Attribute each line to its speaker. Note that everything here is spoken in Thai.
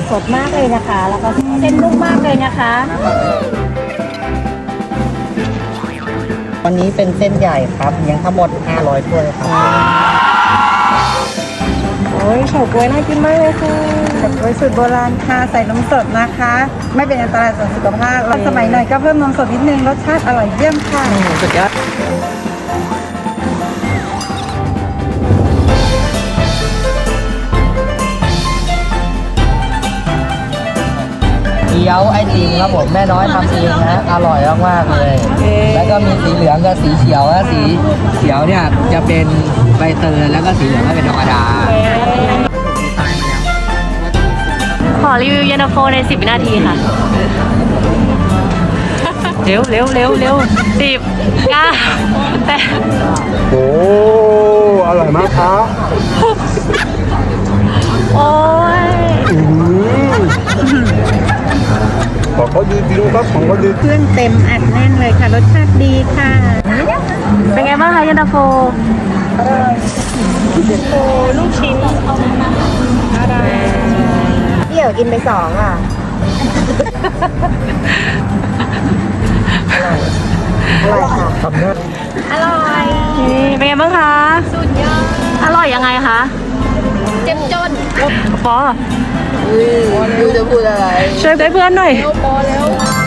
Speaker 1: สดมากเลยนะคะ แล้วก็เส้นนุ่มมากเลยนะคะ
Speaker 2: วันนี้เป็นเส้นใหญ่ครับเลี้ยงทั้งหมด500ถ้วยครับ
Speaker 1: โอ้ยเฉาก๊วยน่ากินมากเลยค่ะ
Speaker 3: เฉาก๊วยสูตรโบราณค่ะใส่นมสดนะคะ ไม่เป็นอันตรายต่อสุขภาพแล้วสมัยหน่อยก็เพิ่มนมสดนิดนึงรสชาติอร่อยเยี่ยมค่ะ
Speaker 2: สุดยอดเกี๊ยวไอติมครับผมแม่น้อยทำเองนะอร่อยมากๆเลย แล้วก็มีสีเหลืองกับสีเขียวนะสีเขียวเนี่ยจะเป็นใบเตยแล้วก็สีเหลืองก็เป็นธรรมดา
Speaker 1: ขอรีวิวเย็นตาโฟใน10 วินาทีค่ะ เร็ว10 9 แต่
Speaker 4: โอ้อร่อยมากครับ
Speaker 1: โอ้ย
Speaker 4: ของเขาดีจริงครับของเขาดี
Speaker 3: เครื่องเต็มอัดแน่นเลยค่ะรสชาติดีค่ะ
Speaker 1: เป็นไงบ้างคะเย็นตาโฟ
Speaker 3: ลูกชิ้น
Speaker 2: เดี่ยวกินไป2อ่ะ อร่อยค่ะทำได้
Speaker 1: อร่อยนี่เป็นไงบ้างคะสุดยอดอร่อยยังไงคะเจ็บจนปอ
Speaker 2: ดูจะพูดอะไร
Speaker 1: ช่วยเพื่อนหน่อย
Speaker 3: พอแล้ว